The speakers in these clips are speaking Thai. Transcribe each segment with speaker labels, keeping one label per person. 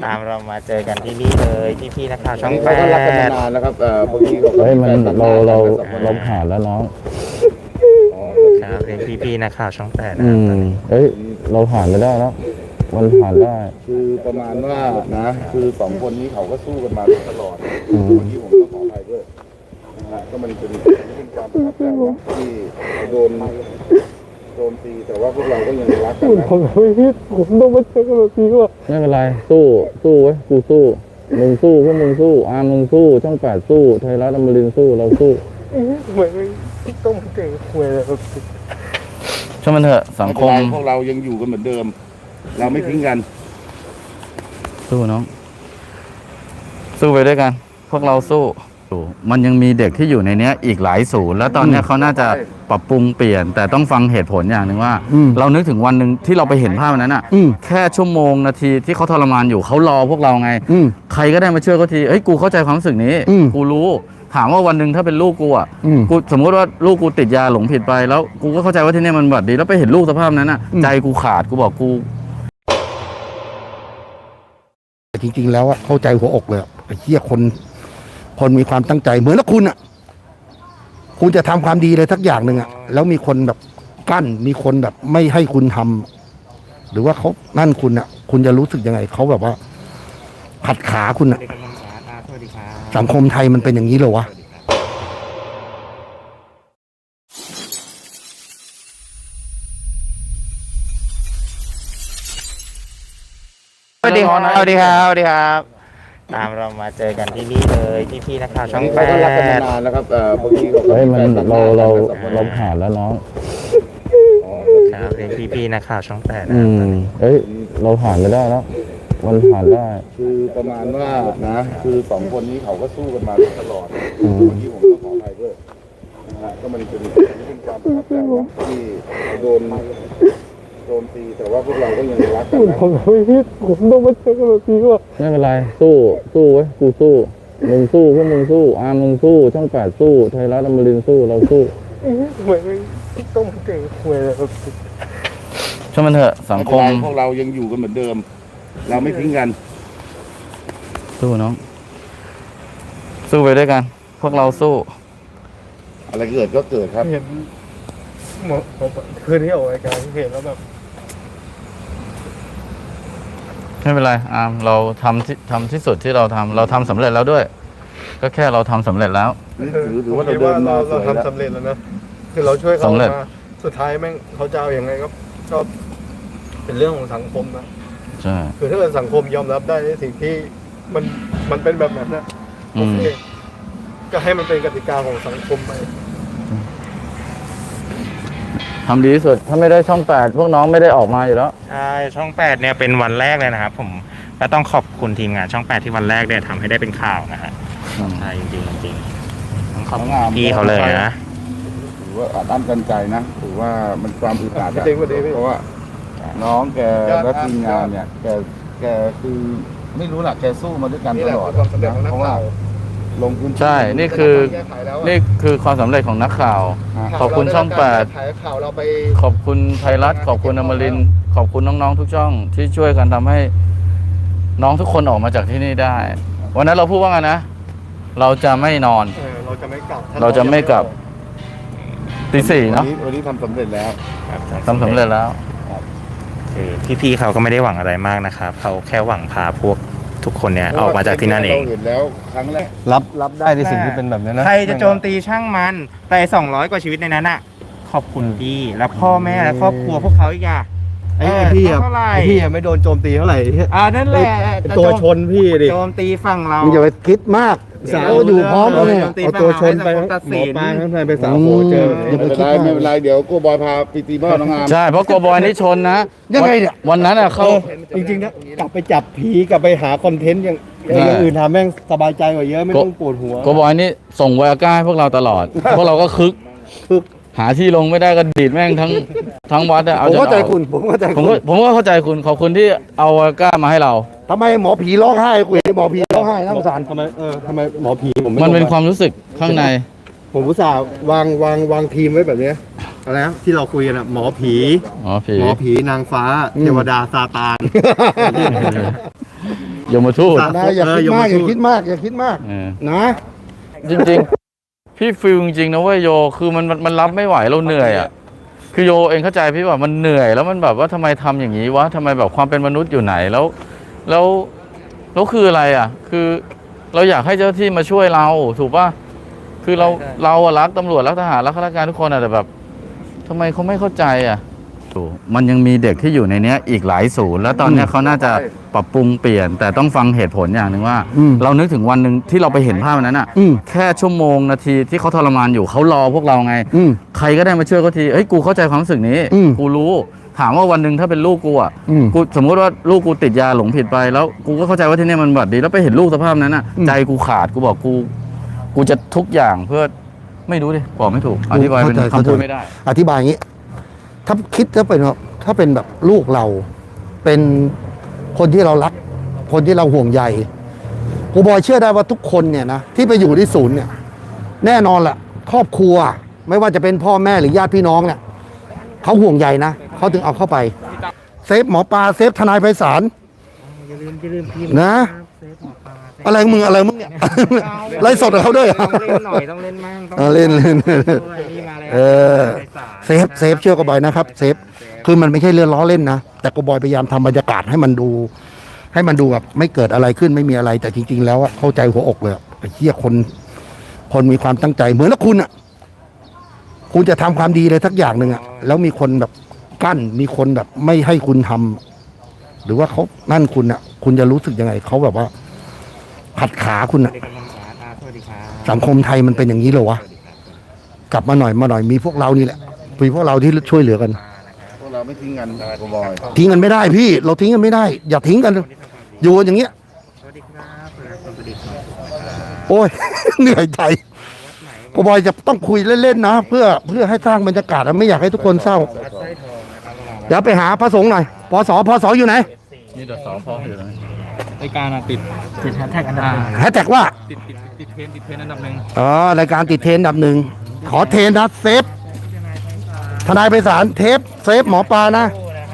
Speaker 1: ตามเรามาเจอกันที่นี่เลยพี่ๆนักข่าวช่องแปด
Speaker 2: ก็รักกันมานานแล้วครับพวกนี้
Speaker 3: เฮ้ยมันเราผ่านแล้วน้อง
Speaker 1: ครับเป็นพี่ๆนักข่าวช่องแปด
Speaker 3: อืมเฮ้ยเราผ่านไปได้แล้วมันผ่านได้
Speaker 2: คือประมาณว่านะคือสองคนนี้เขาก็สู้กันมาตลอดวันนี้ผมต้องขออภัยด้วยนะฮะก็มันเป็นความประทับใจนะที่โดนตีแต่ว่าพวกเราก็ยังรักกันนะ
Speaker 3: ผมต้องมาเจอกันแบบนี้ว่ะไม่เป็นไรสู้ไว้กูสู้มึงสู้พวกมึงสู้มึงสู้ช่องแปดสู้ไทยรัฐอมรินทร์สู้เราสู้เหมือนต้องมาเจอคุยเลยช่างมันเถอะสังคม
Speaker 2: พวกเรายังอยู่กันเหมือนเดิม เราไม่ทิ้งกัน
Speaker 3: สู้น้องสู้ไปด้วยกัน พวกเราสู้มันยังมีเด็กที่อยู่ในเนี้ยอีกหลายศูนย์แล้วตอนเนี้ยเขาน่าจะปรับปรุงเปลี่ยน แต่ต้องฟังเหตุผลอย่างหนึ่งว่า เรานึกถึงวันหนึ่งที่เราไปเห็นภาพนั้นอ่ะแค่ชั่วโมงนาทีที่เขาทรมานอยู่เขารอพวกเราไงใครก็ได้มาช่วยเขาทีเฮ้ยกูเข้าใจความรู้สึกนี้กูรู้ถามว่าวันหนึ่งถ้าเป็นลูกกูอ่ะกูสมมติว่าลูกกูติดยาหลงผิดไปแล้วกูก็เข้าใจว่าที่นี่มันบัดดีแล้วไปเห็นลูกสภาพนั้นอ่ะใจกูขาดกูบอกกู
Speaker 4: จริงๆแล้วอะเข้าใจหัวอกเลยไอ้เหี้ยคนมีความตั้งใจเหมือนกับคุณอะคุณจะทำความดีเลยสักอย่างหนึ่งอะแล้วมีคนแบบกั้นมีคนแบบไม่ให้คุณทำหรือว่าเขานั่นคุณอะคุณจะรู้สึกยังไงเขาแบบว่าขัดขาคุณอะสังคมไทยมันเป็นอย่างนี้เหรอวะ
Speaker 1: สวัสดีครับสวัสดีครับสวัสดีครับตามเรามาเจอกันที่นี่เลยพี่ๆนักข่าวช่องแป
Speaker 2: ก็รักกันมา
Speaker 1: ด
Speaker 2: นานแล้วครับพวกนี้
Speaker 3: เฮ้ยมันเราผ่านแล้วน้อง
Speaker 1: ครับเป็นพี่ๆนักข่าวช่องแปด
Speaker 3: เฮ้ยเราผ่านไปได้แล้วมันผ่านได้
Speaker 2: คือประมาณว่านะคือสองคนนี้เขาก็สู้กันมาตลอดวันนี้ผมต้องขออภัยด้วยนะฮะก็มันเป็นความประทับใจนะที่โดนตีแต่ว่าพวกเราก็ยังรักกันนะ
Speaker 3: ผมต้องมาเจอกันแบบนี้ว่ะไม่เป็นไรสู้ไว้กูสู้มึงสู้พวกมึงสู้มึงสู้ช่องแปดสู้ไทยรัฐอมรินทร์สู้เราสู้เหมือนต้องมาเจอคุยเลยช่างมันเถอะสังคม
Speaker 2: พวกเรายังอยู่กันเหมือนเดิม เราไม่ทิ้งกัน
Speaker 3: สู้น้องสู้ไปด้วยกัน พวกเราสู้
Speaker 2: อะไรเกิดก็เกิดครับ
Speaker 5: เห็นคืนที่ออกรายการเห็นแล้วแบบ
Speaker 3: ไม่เป็นไรเราทำที่สุดที่เราทำสำเร็จแล้วด้วย ก็แค่เราทำสำเร็จแล้ว
Speaker 2: ถือว่าเราเดินมา
Speaker 5: เราทำสำเร็จแล้วนะคือเราช่วยเขา
Speaker 3: สำเร็จ
Speaker 5: มาสุดท้ายแม่งเขาจะเอาอย่างไงก็เป็นเรื่องของสังคมนะ
Speaker 3: ใช่
Speaker 5: คือถ้าเกิดสังคมยอมรับได้ในสิ่งที่มันเป็นแบบนั้นนะโอเคก็ให้มันเป็นกติกาของสังคมไป
Speaker 3: ทำดีที่สุดถ้าไม่ได้ช่องแปดพวกน้องไม่ได้ออกมาอยู่แล้ว
Speaker 1: ใช่ช่องแปดเนี่ยเป็นวันแรกเลยนะครับผมก็ต้องขอบคุณทีมงานช่องแปดที่วันแรกเนี่ยทำให้ได้เป็นข่าวนะฮะใช่จริงๆต้องขอบคุณพี่เขาเลยนะ
Speaker 2: ถือว่าอัดอั้นตันใจนะถือว่ามันความอึดอัดอะ
Speaker 5: จริงๆพี่
Speaker 2: เพราะว่าน้องแกและทีมงานเนี่ยแกคือไม่รู้หลักแกสู้มาด้วยกัน
Speaker 5: นี่
Speaker 2: ต
Speaker 5: แหละ
Speaker 2: ลอด
Speaker 5: คือความสำเร็จของนัก
Speaker 2: เพราะว่า
Speaker 5: ข่าว
Speaker 2: ลงพื้นที่
Speaker 3: ใช่นี่คือความสำเร็จของนักข่าว ขอบคุณช่องแปด
Speaker 5: ถ่ายข่าวเราไป
Speaker 3: ขอบคุณไทยรัฐขอบคุณอมรินทร์ขอบคุณน้องๆทุกช่องที่ช่วยกันทำให้น้องทุกคนออกมาจากที่นี่ได้ วันนั้นเราพูดว่าไงนะ เราจะไม่นอน
Speaker 5: เราจะไม่กลับ
Speaker 3: เราจะไม่กลับตีสี่เนาะ
Speaker 2: วันนี้ทำสำเร็จแล้ว
Speaker 3: ทำสำเร็จแล้ว
Speaker 1: คือพี่ๆเขาก็ไม่ได้หวังอะไรมากนะครับเขาแค่หวังพาพวกทุกคนเนี่ยออกมาจากที่นั่นเอง
Speaker 2: เราเห็นแล้วครั้งแรก
Speaker 5: รับได้ในสิ่งที่เป็นแบบนี้นะ
Speaker 1: ใครจะโจมตีช่างมันแต่200 กว่าชีวิตในนั้นอ่ะขอบคุณพี่และพ่อแม่และครอบครัวพวกเขาอีกอ่ะ
Speaker 5: ไอ้พี่อะ
Speaker 1: เท่าไหร่
Speaker 5: พี่อะไม่โดนโจมตีเท่าไหร่
Speaker 1: นั่นแหละ
Speaker 5: ตัวชนพี่ดิ
Speaker 1: โจมตีฝั่งเรา
Speaker 4: มึงอย่าไปคิดมากเราอยู่พร้อมกันเนี่ย
Speaker 5: เอาตัวชนไปหมอปลาทั้งไปสาวโหเจอ
Speaker 4: อย่าไป
Speaker 2: ไม่เป็นไรเดี๋ยวกูบอยพาไปตีบ้านน้องงาม
Speaker 3: ใช่เพราะโกบอยนี่ชนนะ
Speaker 4: ยังไงเนี่ย
Speaker 3: วันนั้นอ่ะเขา
Speaker 5: จริงๆนะกลับไปจับผีกลับไปหาคอนเทนต์อย่างอื่นทำแม่งสบายใจกว่าเยอะไม่ต้องปวดหัว
Speaker 3: โกบอยนี่ส่งไวอาก้าให้พวกเราตลอด พวกเราก็คึกหาที่ลงไม่ได้ก็ดีดแม่งทั้งวัดอะ
Speaker 4: ผมเข้าใจคุณผมเข้าใจ
Speaker 3: ผม
Speaker 4: คุ
Speaker 3: ก็
Speaker 4: ณ
Speaker 3: ผมก็เข้าใจคุณขอบคุณที่เอาไวอาก้ามาให้เรา
Speaker 4: ทำไมหมอผีร้องไห้กูเห็นหมอผีร้องไห้น่าสงสาร
Speaker 5: ทำไมหมอผีผม
Speaker 3: มันเป็นความรู้สึกข้างใน
Speaker 5: ผมอุตส่าห์วางทีมไว้แบบนี้อะไรนะที่เราคุยกันอะหมอผี
Speaker 3: อ๋อผี
Speaker 5: หมอผีนางฟ้าเทวดาซาตาน
Speaker 3: ยมทูต
Speaker 4: นะอย่าคิดมากอย่าคิดมากอย่าคิดมาก
Speaker 3: เออ
Speaker 4: นะ
Speaker 3: จริงๆ พี่ฟิลจริงๆนะเว้ยโยคือมันรับไม่ไหวเราเหนื่อยอ่ะคือโยเองเข้าใจพี่ว่ามันเหนื่อยแล้วมันแบบว่าทำไมทำอย่างนี้วะทำไมแบบความเป็นมนุษย์อยู่ไหนแล้วคืออะไรอ่ะ คือเราอยากให้เจ้าหน้าที่มาช่วยเราถูกป่ะคือเราอะรักตำรวจรักทหารรักข้าราชการทุกคนอะแต่แบบทำไมเขาไม่เข้าใจอ่ะมันยังมีเด็กที่อยู่ในเนี้ยอีกหลายศูนย์แล้วตอนเนี้ยเขาน่าจะปรับปรุงเปลี่ยน แต่ต้องฟังเหตุผลอย่างหนึ่งว่า เรานึกถึงวันหนึ่งที่เราไปเห็นภาพนั้นอ่ะแค่ชั่วโมงนาทีที่เขาทรมานอยู่เขารอพวกเราไงใครก็ได้มาช่วยเขาทีเฮ้ยกูเข้าใจความรู้สึกนี้กูรู้ถามว่าวันหนึ่งถ้าเป็นลูกกูอ่ะกูสมมติว่าลูกกูติดยาหลงผิดไปแล้วกูก็เข้าใจว่าที่นี่มันบัดดีแล้วไปเห็นลูกสภาพนั้นอ่ะใจกูขาดกูบอกกูจะทุกอย่างเพื่อไม่รู้ดิบอกไม่ถูกอธิบายเป็นคำพูดไม่ได้
Speaker 4: อธิบายอย่างนี้ถ้าคิดถ้าเป็นแบบลูกเราเป็นคนที่เรารักคนที่เราห่วงใยกูบอยเชื่อได้ว่าทุกคนเนี่ยนะที่ไปอยู่ที่ศูนย์เนี่ยแน่นอนแหละครอบครัวไม่ว่าจะเป็นพ่อแม่หรือญาติพี่น้องเนี่ยเขาห่วงใยนะเขาถึงเอาเข้าไปเซฟหมอปลาเซฟทนายไพศาลอย่าลืมพิมพ์นะอะไรมึงเนี่ย ไล่สดกับเขาด้วยเหรอ
Speaker 1: ต้องเล่นหน่อยต้องเล่นมั่งต้อง
Speaker 4: เล่น
Speaker 1: นี่มาแล้ว
Speaker 4: เซฟเชื่อกบอยนะครับเซฟคือมันไม่ใช่เรื่องล้อเล่นนะแต่กบอยพยายามทำบรรยากาศให้มันดูแบบไม่เกิดอะไรขึ้นไม่มีอะไรแต่จริงๆแล้วเข้าใจหัวอกเลยไอ้เหี้ยคนมีความตั้งใจเหมือนแล้วคุณคุณจะทำความดีเลยสักอย่างหนึ่งแล้วมีคนแบบกั้นมีคนแบบไม่ให้คุณทำหรือว่าเขานั่นคุณจะรู้สึกยังไงเขาแบบว่าขัดขาคุณสังคมไทยมันเป็นอย่างนี้เหรอวะกลับมาหน่อยมีพวกเรานี่แหละมีพวกเราที่ช่วยเหลือกัน
Speaker 2: พวกเราไม่ทิ้งกันกบอย
Speaker 4: ทิ้งกันไม่ได้พี่เราทิ้งกันไม่ได้ อย่าทิ้งกันอยู่กันอย่างเงี้ยโอ้ย เหนื่อยใจกบอยจะต้องคุยเล่นๆนะเพื่อให้สร้างบรรยากาศไม่อยากให้ทุกคนเศร้าเดี๋ยวไปหาพระสงฆ์หน่อยพศอยู่ไหน
Speaker 3: นี่เดี๋ยวสองพ่ออยู่แล้ว
Speaker 1: รายการติดแฮชแท็กอันดับ
Speaker 4: แฮชแท็กว่า
Speaker 1: ติดเทรนด์อันดับหนึ่ง
Speaker 4: รายการติดเทรนด์อันดับหนึ่งขอเทรนด์นะเซฟทนายไพศาลเซฟหมอปลานะ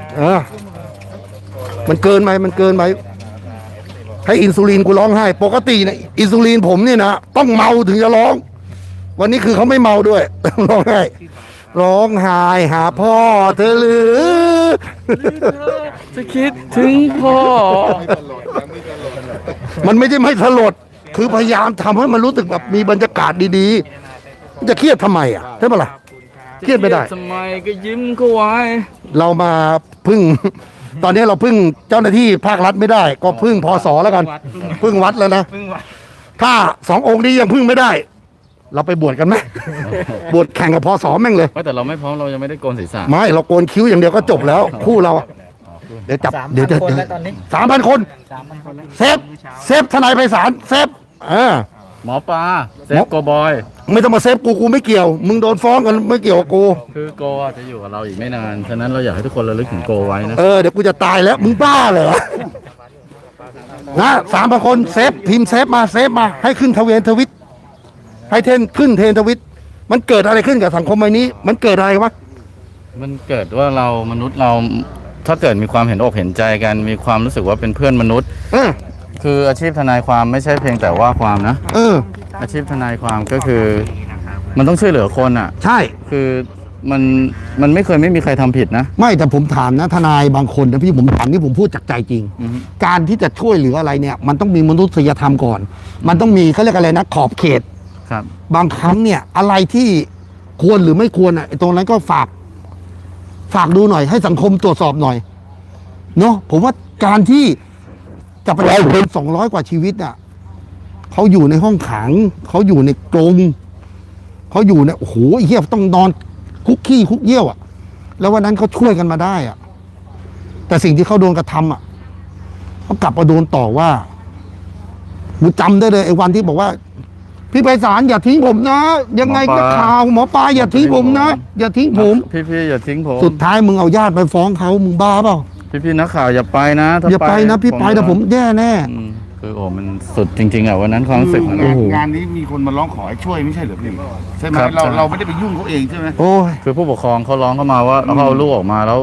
Speaker 4: มันเกินไปให้อินซูลินกูร้องไห้ปกติเนี่ยอินซูลินผมนี่นะต้องเมาถึงจะร้อง วันนี้คือเขาไม่เมาด้วย ร้องไห้หาพ่อเธอหรือ
Speaker 3: จะคิดถึงพ่อ
Speaker 4: มันไม่ได้ไม่สลดคือพยายามทำให้มันรู้สึกแบบมีบรรยากาศดีๆจะเครียดทำไมใช่ปะล่ะเครียดไม่ได้
Speaker 3: ทำไมก็ยิ้มเขาไว้
Speaker 4: เรามาพึ่ง ตอนนี้เราพึ่งเจ้าหน้าที่ภาครัฐไม่ได้ ก็พึ่งพศแล้วกัน พึ่งวัดแล้วนะถ้าสององค์นี้ยังพึ่งไม่ได้ เราไปบวชกันไหม บวชแข่งกับพศแม่งเลย
Speaker 3: แต่เราไม่พร้อมเรายังไม่ได้โกนศีรษะ
Speaker 4: ไม่เราโกนคิ้วอย่างเดียวก็จบแล้ว คู่เราเดี๋ยวจับเดี๋ยว3,000 คนเซฟทนายไพศาลเซฟ
Speaker 3: หมอปลาเซฟโกบอย
Speaker 4: ไม่ต้องมาเซฟกูไม่เกี่ยว มึงโดนฟ้องกันไม่เกี่ยวกับกู
Speaker 3: คือโกจะอยู่กับเราอีกไม่นานฉะนั้นเราอยากให้ทุกคนระลึกถึงโกไว้นะ
Speaker 4: เดี๋ยวกูจะตายแล้วมึงบ้าเหรอนะ3,000 คนเซฟพิมพ์เซฟมาให้ขึ้นทวิตให้ขึ้นเทรนทวิตมันเกิดอะไรขึ้นกับสังคมใบนี้ มันเกิดอะไรวะ
Speaker 3: มันเกิดว่าเรามนุษย์เราถ้าเกิดมีความเห็นอกเห็นใจกันมีความรู้สึกว่าเป็นเพื่อนมนุษย์คืออาชีพทนายความไม่ใช่เพียงแต่ว่าความนะอาชีพทนายความก็คือมันต้องช่วยเหลือคน
Speaker 4: ใช่
Speaker 3: คือมันไม่มีใครทำผิดนะ
Speaker 4: ไม่แต่ผมถามนะทนายบางคนนะพี่ผมถามนี่ผมพูดจากใจจริงการที่จะช่วยเหลืออะไรเนี่ยมันต้องมีมนุษยธรรมก่อนมันต้องมีเขาเรียกอะไรนะขอบเขต
Speaker 3: ครับ
Speaker 4: บางครั้งเนี่ยอะไรที่ควรหรือไม่ควรตรงนั้นก็ฝากดูหน่อยให้สังคมตรวจสอบหน่อยเนาะผมว่าการที่จะไปเอาคน200 กว่าชีวิตเขาอยู่ในห้องขังเขาอยู่ในกรงเขาอยู่ในโอ้โหเหี้ยต้องนอนคุกขี้คุกเยี่ยวแล้ววันนั้นเขาช่วยกันมาได้แต่สิ่งที่เขาโดนกระทำเขากลับมาโดนต่อว่ากูจำได้เลยไอ้วันที่บอกว่าพี่ไพศาลอย่าทิ้งผมนะยังไงก็ข่าวหมอปลาอย่าทิ้งผมนะอย่าทิ้งผม
Speaker 3: พี่อย่าทิ้งผม
Speaker 4: สุดท้ายมึงเอาญาติไปฟ้องเขามึงบ้าเปล่า
Speaker 3: พี่นักข่าวอย่าไปนะ
Speaker 4: อย่าไปนะพี่ไปแต่ผมแย่แน่
Speaker 3: คือมันสุดจริงๆวันนั้นความรู้สึก
Speaker 2: งานนี้มีคนมาร้องขอให้ช่วยไม่ใช่เหรอพี่ใช่ไหมเราไม่ได้ไปยุ่งเขาเองใช่ไหม
Speaker 4: โอ้ย
Speaker 3: คือผู้ปกครองเขาร้องเข้ามาว่าเขาเอาลูกออกมาแล้ว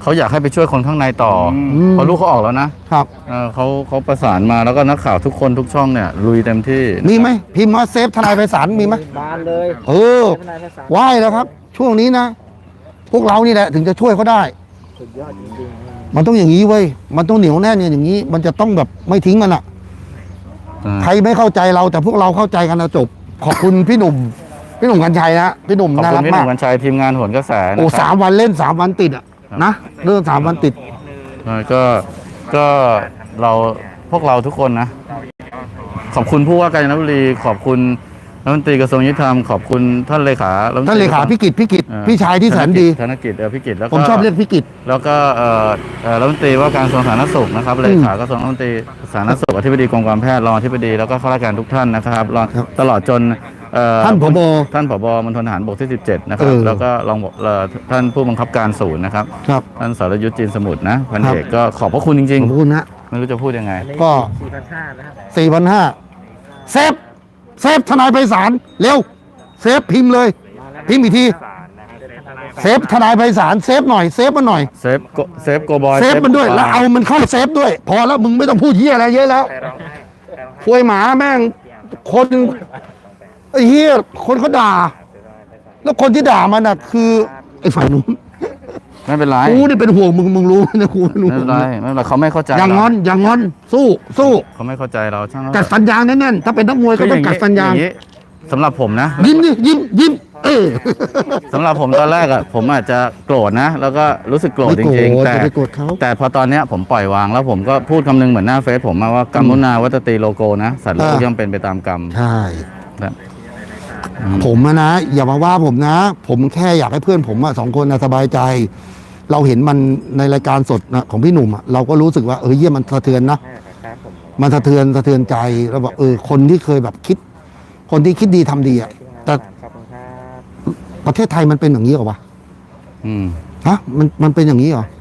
Speaker 3: เขาอยากให้ไปช่วยคนข้างในต่ออ
Speaker 4: ม
Speaker 3: เพราะลูกเขาออกแล้วนะครับ เขาประสานมาแล้วก็นักข่าวทุกคนทุกช่องเนี่ยลุยเต็มที่
Speaker 4: มีไหมพิมพ์มาเซฟทนายไพศาลมีไหม
Speaker 6: บานเลย
Speaker 4: เออไหว้แล้วครับ ช่วงนี้นะ พวกเรานี่แหละถึงจะช่วยเขาได้
Speaker 6: สุดยอดจริง
Speaker 4: มันต้องอย่างนี้เว้ยมันต้องเหนียวแน่นอย่างนี้ มันจะต้องแบบไม่ทิ้งกันอะใครไม่เข้าใจเราแต่พวกเราเข้าใจกันนะจบ ขอบคุณพี่หนุ่มกัญชัยนะพี่หนุ่ม
Speaker 3: ขอบ
Speaker 4: น่า
Speaker 3: คุ
Speaker 4: รั
Speaker 3: ณ
Speaker 4: ก
Speaker 3: พี่ห
Speaker 4: มา
Speaker 3: นุ่
Speaker 4: ก
Speaker 3: มกัญชัยทีมงานโหนกระแสนะ
Speaker 4: โอ้
Speaker 3: ค
Speaker 4: สา
Speaker 3: รับ
Speaker 4: มวันเล่น3 วันติดอะนะเรื่อง3 วันติด
Speaker 3: ก็เราพวกเราทุกคนนะ ขอบคุณผู้ว่าการจันทบุรีขอบคุณรัฐมนตรีกระทรวงยุติธรรมขอบคุณท่านเลขา
Speaker 4: ท่านเลขาพิกิตพี่ชายที่แสนดี
Speaker 3: ธนกิจพิกิจแล้วก็
Speaker 4: ผมชอบเรียกพิกิต
Speaker 3: แล้วก็รัฐมนตรีว่าการกระทรวงสาธารณสุขนะครับเลขากระทรวงรัฐมนตรีสาธารณสุขอธิบดีกรมการแพทย์รองอธิบดีแล้วก็ข้าราชการทุกท่านนะครับรอง
Speaker 4: ครับ
Speaker 3: ตลอดจน
Speaker 4: ท่านผบ
Speaker 3: ท่านผบมณฑลทหารบกที่ 17 นะครับ แล้วก็รองท่านผู้บังคับการศูนย์นะครับ
Speaker 4: ครับ
Speaker 3: ท่านสรยุทธ์จีนสมุทรนะพัน
Speaker 4: ครับ
Speaker 3: เอกก็ขอบพระคุณจริง
Speaker 4: ขอบคุณนะ
Speaker 3: ๆ ไม่รู้จะพูดยังไง
Speaker 6: ๆ
Speaker 4: ก็
Speaker 6: 4,500นะครับ
Speaker 4: 4,500เซฟทนายไพศาลเร็วเซฟพิมพ์เลยพิมพ์อีกทีเซฟทนายไพศาลเซฟหน่อยเซฟมันหน่อย
Speaker 3: เซฟโกบอย
Speaker 4: เซฟมันด้วยแล้วเอามันเข้าเซฟด้วย พอแล้วมึงไม่ต้องพูดเหี้ยอะไรเยอะแล้วควยหมาแม่งคนไอ้เหี้ยคนเขาด่า แล้วคนที่ด่ามันน่ะคือไอ้ฝ่ายนู้น
Speaker 3: ไม่เป็นไร
Speaker 4: กูนี่เป็นห่วงมึงรู้นะกูไม่รู้
Speaker 3: ไม่เป็นไรไม่เป็นไรเขาไม่เข้าใจ
Speaker 4: อย่างงอนอย่างงอนสู้สู้
Speaker 3: เขาไม่เข้าใจเราช่าง
Speaker 4: กัดฟันยางแน่นๆถ้าเป็นนักมวยก็ต้องกัดฟันยาง
Speaker 3: นี้สำหรับผมนะ
Speaker 4: ยิ้มดิยิ้ม
Speaker 3: สำหรับผมตอนแรกอ่ะผมอาจจะโกรธนะ แล้วก็รู้สึกโกรธจริงๆ
Speaker 4: แต่
Speaker 3: แต่
Speaker 4: ไปโกรธเขา
Speaker 3: แต่พอตอนเนี้ยผมปล่อยวางแล้วผมก็พูดคำนึงเหมือนหน้าเฟซผมมาว่ากรรมุนาวัตตีโลโกนะสัตว์โลกย่อมเป็นไปตามกรรม
Speaker 4: ใช่
Speaker 3: นะ
Speaker 4: ผมอะนะอย่ามาว่าผมนะ ผมแค่อยากให้เพื่อนผมอะ2 คนนะสบายใจ เราเห็นมันในรายการสดนะของพี่หนุ่มอะเราก็รู้สึกว่าเยี่ยมันสะเทือนนะมันสะเทือนใจแล้วบอกคนที่เคยแบบคิด คนที่คิดดีทำดีอะแต่
Speaker 6: ขอบคุณครับ
Speaker 4: ประเทศไทยมันเป็นอย่างนี้เหรอวะ
Speaker 3: อืม
Speaker 4: ฮะมันเป็นอย่างนี้เหรอ